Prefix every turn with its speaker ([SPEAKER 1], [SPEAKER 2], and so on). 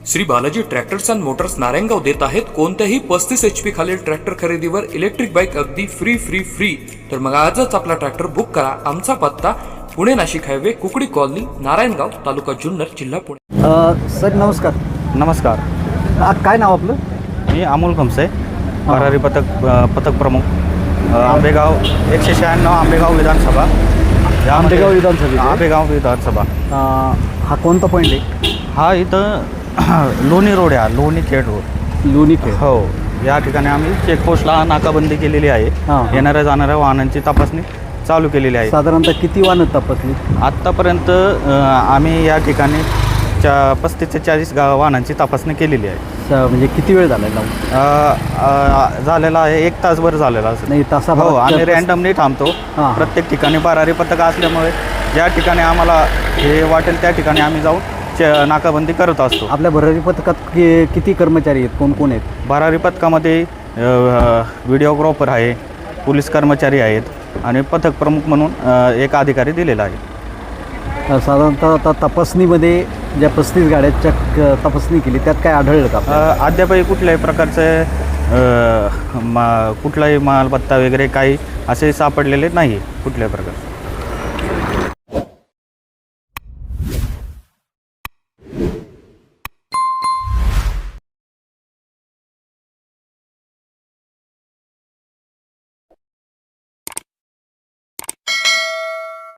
[SPEAKER 1] Shri Balaji tractors and motors Narayangaon देत आहेत कोणत्याही 35 HP खालील ट्रॅक्टर खरेदीवर इलेक्ट्रिक बाईक अगदी फ्री। तर मग आजच आपला ट्रॅक्टर बुक करा। आमचा पत्ता पुणे नाशिक हायवे कुकडी कॉलनी नारायणगाव तालुका जुन्नर जिल्हा पुणे।
[SPEAKER 2] सर नमस्कार।
[SPEAKER 3] नमस्कार।
[SPEAKER 2] काय नाव आपलं?
[SPEAKER 3] मी अमोल खमसे, भरारी पथक प्रमुख, आंबेगाव 196 आंबेगाव विधानसभा।
[SPEAKER 2] आंबेगाव विधानसभा।
[SPEAKER 3] आंबेगाव विधानसभा।
[SPEAKER 2] हा कोणता पॉईंट आहे?
[SPEAKER 3] हा इथं लोणी रोड आहे, लोणी खेड रोड,
[SPEAKER 2] लोणी खेड।
[SPEAKER 3] हो, या ठिकाणी आम्ही चेकपोस्टला नाकाबंदी केलेली आहे। येणाऱ्या जाणाऱ्या वाहनांची तपासणी चालू केलेली आहे।
[SPEAKER 2] साधारणतः किती वाहनं तपासली
[SPEAKER 3] आत्तापर्यंत? आम्ही या ठिकाणी 35 ते 40 वाहनांची तपासणी केलेली आहे।
[SPEAKER 2] म्हणजे किती वेळ झाला
[SPEAKER 3] झालेला आहे? 1 तासभर झालेला असेल।
[SPEAKER 2] नाही,
[SPEAKER 3] हो, आम्ही रँडमली थांबतो प्रत्येक ठिकाणी। भरारी पथक असल्यामुळे ज्या ठिकाणी आम्हाला हे वाटेल त्या ठिकाणी आम्ही जाऊन नाकाबंदी करत असतो।
[SPEAKER 2] आपल्या भरारी पथकात किती कर्मचारी आहेत, कोण आहेत?
[SPEAKER 3] भरारी पथकामध्ये व्हिडिओग्राफर आहे, पोलीस कर्मचारी आहेत आणि पथक प्रमुख म्हणून एक अधिकारी दिलेला आहे।
[SPEAKER 2] साधारणतः आता तपासणीमध्ये ज्या 35 गाड्यांच्या तपासणी केली त्यात काय आढळलं का?
[SPEAKER 3] अद्यापही कुठल्याही प्रकारचे कुठलाही मालमत्ता वगैरे काही असे सापडलेले नाही कुठल्याही प्रकार।